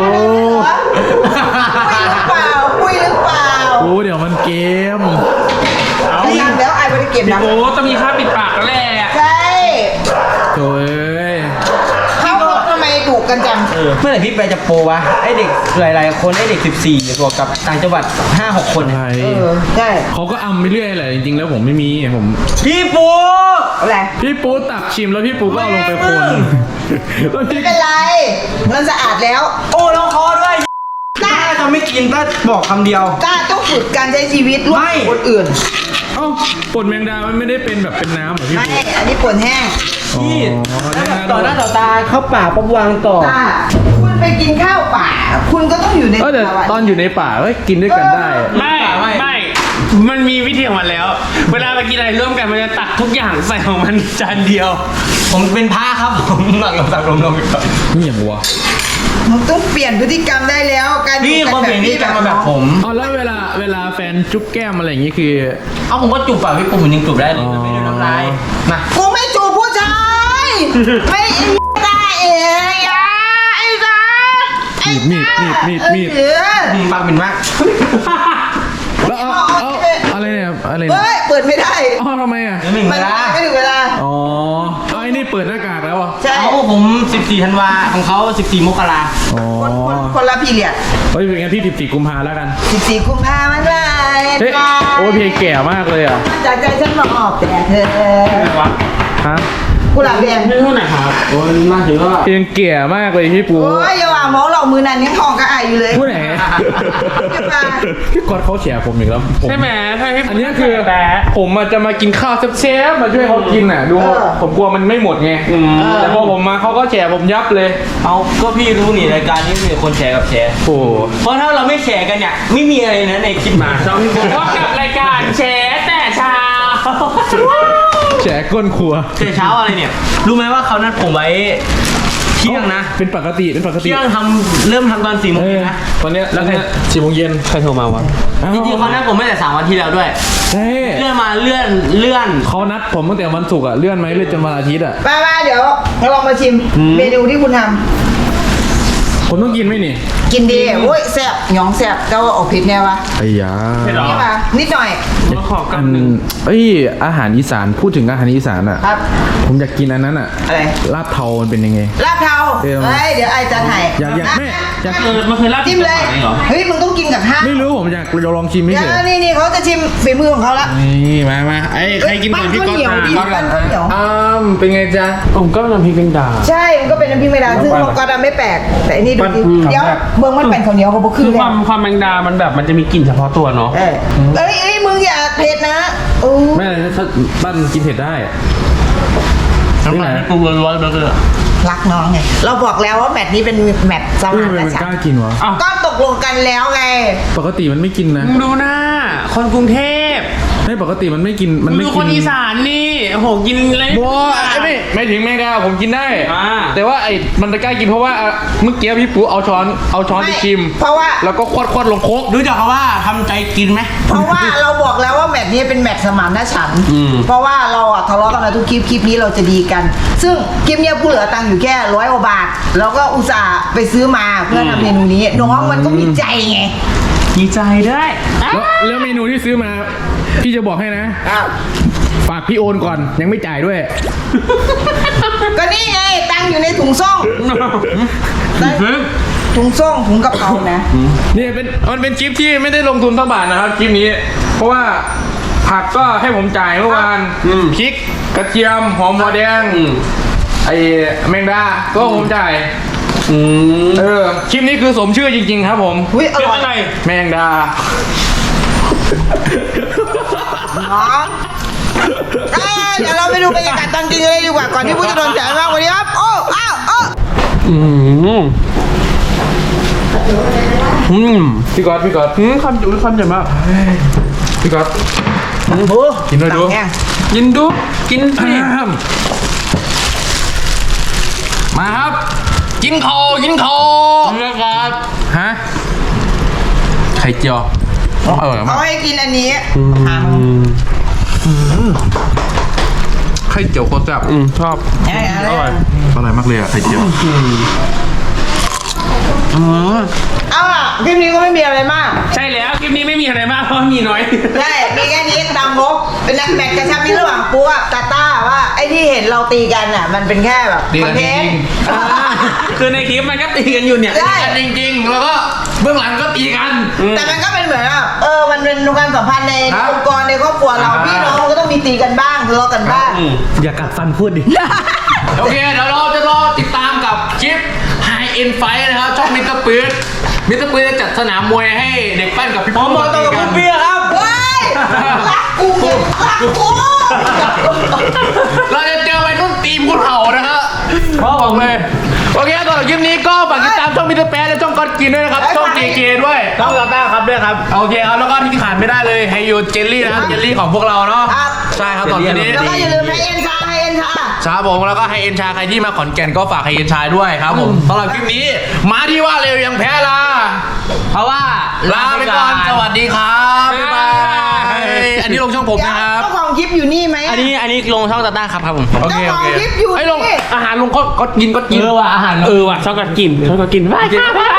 [SPEAKER 2] ปุ้ยหรือเปล่า
[SPEAKER 5] ปูเดี๋ยวมันเกม
[SPEAKER 3] เอา
[SPEAKER 2] ไม่ทำแล้วไอ้ไม่ได้เก็บนะ
[SPEAKER 3] โอ้ต้องมีค่าปิดปากแล้วแหละ
[SPEAKER 2] ใช่
[SPEAKER 5] โถ่ย
[SPEAKER 2] เขาทำไมดุกันจัง
[SPEAKER 1] เมื่อไหร่พี่แปะจะโปรวะไอเด็กหลายๆคนไอเด็ก14บวกกับต่างจังหวัด 5-6 คน
[SPEAKER 5] ใช่
[SPEAKER 2] ใช่
[SPEAKER 5] เขาก็อำไปเรื่อยแหละจริงๆแล้วผมไม่มีผม
[SPEAKER 1] พี่ปู
[SPEAKER 2] อะไร
[SPEAKER 5] พี่ปูตักชิมแล้วพี่ปูก็เอาลงไปคนแล้ว
[SPEAKER 2] ไม่
[SPEAKER 5] พี่
[SPEAKER 2] เป็นไรมันสะอาดแล้ว
[SPEAKER 1] โอ้ลองคอด้วยถ้าจะไม่กินก็บอกคำเดียว
[SPEAKER 2] กล้าต้องฝึกการใช้ชีวิตร่วม
[SPEAKER 1] ไม่
[SPEAKER 2] กับคนอื่น
[SPEAKER 5] เอ้าป่นแมงดามันไม่ได้เป็นแบบเป็นน้ำเหรอพี่
[SPEAKER 2] ไม่
[SPEAKER 5] ปู
[SPEAKER 2] อันนี้ป่นแห้ง
[SPEAKER 1] พี่
[SPEAKER 5] อ๋อ
[SPEAKER 1] แล้วแบบต่อหน้าต่อตาเข้าป่าปั๊บวางต่อ
[SPEAKER 2] ถ้าคุณไปกินข้าวป่า คุณก็ต้องอยู่ใน
[SPEAKER 5] แต่
[SPEAKER 2] ภาวะ
[SPEAKER 5] ตอนอยู่ในป่าก็กินด้วยกันได้
[SPEAKER 3] ไม่มันมีวิธีของมันแล้ว เวลาไปกินอะไรร่วมกันมันจะตักทุกอย่างใส่ของมันจานเดียว
[SPEAKER 1] ผมเป็นพระครับผมหลังลงก่อน
[SPEAKER 5] นี่อย่างวะ
[SPEAKER 2] มันต้องเปลี่ยนพฤติกรรมได้แล้วการ
[SPEAKER 1] พี่
[SPEAKER 2] อยู่
[SPEAKER 1] คน
[SPEAKER 2] กั
[SPEAKER 1] เปลี่ยนนี่จะมาแบบผม
[SPEAKER 5] อ๋อแล้วเวลาแฟนจุ๊บแก้มอะไรอย่างงี้คือ
[SPEAKER 1] เอาผมก็จูบปากพี่ปูผมยังจูบได้เลยมันไม่ได้น้ำลายมา
[SPEAKER 2] กูไม่จูบผู้ชายไม่ไอ้ได้เองอ่ะไอ้จ้าไอ้
[SPEAKER 5] มีด
[SPEAKER 2] เออ
[SPEAKER 1] ปากเป็นมาก
[SPEAKER 5] แล้วอะไรเนี่ยอะไรเนี่ย
[SPEAKER 2] เฮ้ยเปิดไม่ได้
[SPEAKER 5] อ๋อทำไมอ่ะ
[SPEAKER 1] เดี๋ยวหนึ่ง
[SPEAKER 2] มั
[SPEAKER 1] เวน ลา
[SPEAKER 2] ไม่ถึงเวลา
[SPEAKER 5] อ๋อเอาไอ้นี่เปิดหน้ากากแล้วอ่ะ
[SPEAKER 2] ใช่
[SPEAKER 1] เอาผม14ธันวาของเขา14มกรา
[SPEAKER 5] อ๋อ
[SPEAKER 2] คนละพีเรียด
[SPEAKER 5] เฮ้ยเป็นงั้นพี่14กุมภาแล้วกัน
[SPEAKER 2] 14 กุมภาพันธ์วัน
[SPEAKER 5] เฮ้ยโอ้ยเพลงแก่มากเลยอ่ะ
[SPEAKER 2] จากใจฉันมาออกแต่เธอ
[SPEAKER 5] ฮะ
[SPEAKER 2] กุหลาบแดง
[SPEAKER 3] ไม่เท่าไหร่ครับ
[SPEAKER 1] โอ้ยมาถึงก็
[SPEAKER 5] เพลงแก่มากเลยพี่ปู
[SPEAKER 2] โอ้ยอย่าว่าหมอหลอกมือนันยังทองกระอายอยู่เลย
[SPEAKER 5] พูดไหนพี่กอดเขาเฉียผมอีกแล้วผม
[SPEAKER 3] ใช่ไหมใช่พี่
[SPEAKER 5] อันนี้คือ
[SPEAKER 3] แต่
[SPEAKER 5] ผมจะมากินข้าวเชฟมาช่วยเขากินอ่ะดูผมกลัวมันไม่หมดไงแต่พอผมมาเขาก็แฉผมยับเลย
[SPEAKER 1] เอาก็พี่รู้นี่รายการนี้มีคนแชร์กับแชร์
[SPEAKER 5] โอ้
[SPEAKER 1] เพราะถ้าเราไม่แชร์กันเนี่ยไม่มีอะไรนะในคลิปมา
[SPEAKER 3] พบกับรายการแชร์แต่เช้า
[SPEAKER 5] แฉก้นครัว
[SPEAKER 1] เช้าเช้าอะไรเนี่ย รู้ไหมว่าเขานัดผมไว้เที่ยงนะ
[SPEAKER 5] เป็นปกติ
[SPEAKER 1] เที่ยงเริ่มทำตอน4 โมงเย็นนะ
[SPEAKER 5] ตอนเนี้ยแล้วเนี่ย4 โมงเย็น
[SPEAKER 3] ใครโทรมาวะ
[SPEAKER 1] จริงๆเขานัดผมไม่แต่3 วันที่แล้วด้วย
[SPEAKER 5] ใช่
[SPEAKER 1] เลื่อนมาเลื่อน
[SPEAKER 5] เขานัดผมตั้งแต่วันศุกร์อ่ะเลื่อนไหมเลื่อนจนวันอาทิตย์อ่ะ
[SPEAKER 2] มาเดี๋ยวเราลองมาชิมเมนูที่คุณท
[SPEAKER 5] ผมต้องกินไหมนี่
[SPEAKER 2] ำกินดีโอ้ยแซ่บหยองแซ่บก็ออกผิดแน่วะ
[SPEAKER 5] ไอ้ยา
[SPEAKER 2] นี่มานิดหน่อย
[SPEAKER 3] มาขอกันหนึ่ง
[SPEAKER 5] เอ้ยอาหารอีสานพูดถึงอาหารอีสานอ่ะ
[SPEAKER 2] ครับ
[SPEAKER 5] ผมอยากกินอันนั้นอ่ะ
[SPEAKER 2] อะไร
[SPEAKER 5] ลาบเทามันเป็นยังไง
[SPEAKER 2] ลาบเทา
[SPEAKER 5] เออ
[SPEAKER 2] เฮ้ยเดี๋ยวไอ้จะถ่าย
[SPEAKER 5] อยากแม่อยาก
[SPEAKER 3] มันเคยลาบ
[SPEAKER 2] จิ้มเลย
[SPEAKER 3] เหรอ
[SPEAKER 2] เฮ้ยมึงต้องกินกับข้าว
[SPEAKER 5] ไม่รู้ผมอยากลองชิมไม่
[SPEAKER 2] เดี๋ย
[SPEAKER 5] เฉ
[SPEAKER 2] วย นี่เขาจะชิมฝีมือของเขาละ
[SPEAKER 5] นี่มาไอ้ใครกินก่อนพี่ก๊อต
[SPEAKER 2] ปั้นข้าวเหนียวดิปั้นข้าวเหนียว
[SPEAKER 5] เป็นไงจ๊ะ
[SPEAKER 3] ผมก็น้ำพริกแมงดา
[SPEAKER 2] ใช่มันก็เป็นน้ำพริกไม่ดาซึ่งเขาก็ทำไม่แปลกแต่อันนี้ดูดิเดี๋ยวเมืองมันเป็นข้าวเหนียวเขาบอก
[SPEAKER 3] คื
[SPEAKER 2] คือ อ
[SPEAKER 3] ความแมงดามันแบบมันจะมีกลิ่นเฉพาะตัวเนาะ
[SPEAKER 2] เอ้ยมึงอย่าเผ็ดนะโอ้
[SPEAKER 5] แม่ถ้าบ้านกินเผ็ดได้
[SPEAKER 3] น้ำลายปรุงร้อนๆแล้วก็
[SPEAKER 2] รักน้องไงเราบอกแล้วว่าแมตช์นี้เป็นแมตช์ส
[SPEAKER 5] เฮ้ย
[SPEAKER 2] มาน
[SPEAKER 5] ทำไมมัน
[SPEAKER 2] ฉั
[SPEAKER 5] ก
[SPEAKER 2] น
[SPEAKER 5] ล้า
[SPEAKER 2] ท์
[SPEAKER 5] กินวะ
[SPEAKER 3] อ้าว
[SPEAKER 2] ก็ตกลงกันแล้วไง
[SPEAKER 5] ปกติมันไม่กินนะ
[SPEAKER 3] มึงดูหน้า คนกรุงเทพ
[SPEAKER 5] ไม่ปกติมันไม่กินมัน
[SPEAKER 3] มึง
[SPEAKER 5] ไม่
[SPEAKER 3] ดู
[SPEAKER 5] กิ
[SPEAKER 3] คนอีสานนี่โอ้โหกินอะไร
[SPEAKER 5] บัวไม่ถึงแมงดาผมกินได้
[SPEAKER 3] อ่า
[SPEAKER 5] แต่ว่าไอ้มันจะกล้ากินเพราะว่าเมื่อกี้พี่ปูเอาช้อนไปชิม
[SPEAKER 2] เพราะว่า
[SPEAKER 5] แล้วก็ควดลงโคก
[SPEAKER 1] รู้จักเขาว่าทำใจกินไหม
[SPEAKER 2] เพราะว่าเราบอกแล้วว่าแมตช์นี้เป็นแมตช์สมานฉันท์เพราะว่าเราอะทะเลาะกันมาทุกคลิปนี้เราจะดีกัน ซึ่งคลิปเนี้ยผู้เหลือตังค์อยู่แค่100 กว่าบาทเราก็อุตส่าห์ไปซื้อมาเพื่อทำเมนูนี้น้องมันก็มีใจไง
[SPEAKER 3] ดีใจด้วย
[SPEAKER 5] แล้วเมนูที่ซื้อมา พี่จะบอกให้นะ ฝากพี่โอนก่อนยังไม่จ่ายด้วย
[SPEAKER 2] ก็นี่ไงตังค์อยู่ในถุงซ่องถุงซ่องถุงกระเป๋านะ
[SPEAKER 5] นี่มันเป็นคลิปที่ไม่ได้ลงทุนทั้งบาทนะครับคลิปนี้ เพราะว่าผักก็ให้ผมจ่ายเมื่อวานพริกกระเทียมหอมหัวแดงไอ้แมงดาก็ผมจ่ายคลิปนี้คือสมชื่อจริงๆครับผม
[SPEAKER 2] อุ้ยอ
[SPEAKER 3] เป็น
[SPEAKER 2] ร่อย
[SPEAKER 3] อะไร
[SPEAKER 5] แมงดา
[SPEAKER 2] น้องเดี๋ยวเราไปดูบรรยากาศตอนกินกันเลยดีกว่าก่อนที่ผู้จะโดนแฉมากวันนี้ครับโอ้อ้าวอ้าว
[SPEAKER 5] พี่ก๊อต
[SPEAKER 3] ความจุความเจ็บมาก
[SPEAKER 5] พี่ก๊อตกินด้วยดู
[SPEAKER 2] แห้ง
[SPEAKER 3] กินดูกินสิ
[SPEAKER 5] มาครับ กินคอครับ ฮะ ไข่เจียวอร่อยมา
[SPEAKER 2] เขา
[SPEAKER 5] ก
[SPEAKER 2] ให้กินอันนี้
[SPEAKER 5] ไข่เจียวโคตรแซ่บ
[SPEAKER 3] ชอบ
[SPEAKER 2] อร่อย
[SPEAKER 5] อร่อยมากเลยอะไข่เจียว
[SPEAKER 2] เอาล่ะคลิปนี้ก็ไม่มีอะไรมาก
[SPEAKER 3] ใช่แล้วคลิปนี้ไม่มีอะไรมากเพราะมีน้อย
[SPEAKER 2] ใช่มีแค่นี้ตามงบเป็นนักแมตช์กระชับมิตรระหว่างปูกับตาต้าว่าไอ้ที่เห็นเราตีกันอ่ะมันเป็นแค่แบบ
[SPEAKER 5] ตี
[SPEAKER 2] ค
[SPEAKER 5] กั
[SPEAKER 2] อน น
[SPEAKER 5] จ
[SPEAKER 2] เท
[SPEAKER 5] ริ
[SPEAKER 2] น
[SPEAKER 5] ง
[SPEAKER 2] ต์
[SPEAKER 3] คือในคลิปมันก็ตีกันอยู่เนี่ย
[SPEAKER 2] ใช่
[SPEAKER 5] ๆจริงๆแล้วก็เบื้องหลังก็ตีกัน
[SPEAKER 2] แต่มันก็เป็นเหมือนว่ามันเป็นความสัมพันธ์ใน
[SPEAKER 5] ครับ
[SPEAKER 2] องค์กรในครอบครัวเราพี่น้องก็ต้องมีตีกันบ้างทะเลาะกันบ้าง
[SPEAKER 1] อย่ากัดฟันพูดดิ
[SPEAKER 5] โอเค เดี๋ยวเราจะรอติดตามกับคลิป High End Fight นะครับ ช่องมิสเตอร์ปื๊ดจะจัดสนามมวยให้เด็กปั้นกับพี่
[SPEAKER 1] ผมบอกตรงกับคุณเปียครับ
[SPEAKER 2] เฮ้ยรักกูเก็บรักกู
[SPEAKER 5] เราจะเจอวัยรุ่นตีมคุณเห่านะฮะบอกเลย โอเคก่อนคลิปนี้ก็ฝากติดตามช่องมิสเตอร์แป๊ดและช่องก๊อตกินด้วยนะครับ ช่องเกด้วย
[SPEAKER 1] ต้องตาต้าครับด้วยครับ
[SPEAKER 5] โอเคครับ แล้วก็ที่ขาดไม่ได้เลยไฮยูเจลลี่นะครับเจลลี่ของพวกเราเนาะ
[SPEAKER 2] ครับ
[SPEAKER 5] ใช่ครับตอนนี้
[SPEAKER 2] แล้วก็อย่าลืมให้เอ็นชา
[SPEAKER 5] ครับผมแล้วก็ไฮเอ็นชาใครที่มาขอนแก่นก็ฝากไฮเอ็นชาด้วยครับผมสำหรับคลิปนี้มาที่ว่าเร็วยังแพ้ลา
[SPEAKER 1] เพราะว่า
[SPEAKER 5] ลาไปก่อน สวัสดีครับ บ๊ายบาย อันนี้ลงช่องผมนะครับ
[SPEAKER 2] เจ้าของคลิปอยู่นี่ไหม
[SPEAKER 1] อันนี้ลงช่องตาต้าครับผม
[SPEAKER 5] โอเค
[SPEAKER 2] เจ้า
[SPEAKER 5] โอ
[SPEAKER 2] ของ
[SPEAKER 5] เค
[SPEAKER 2] คลิปอยู่
[SPEAKER 5] ไอ้ยลง
[SPEAKER 2] นี่
[SPEAKER 5] อาหารลงก็กิน
[SPEAKER 1] เออว่ะอาหาร
[SPEAKER 3] เออว่ะชอบกัดกินไปค่ะ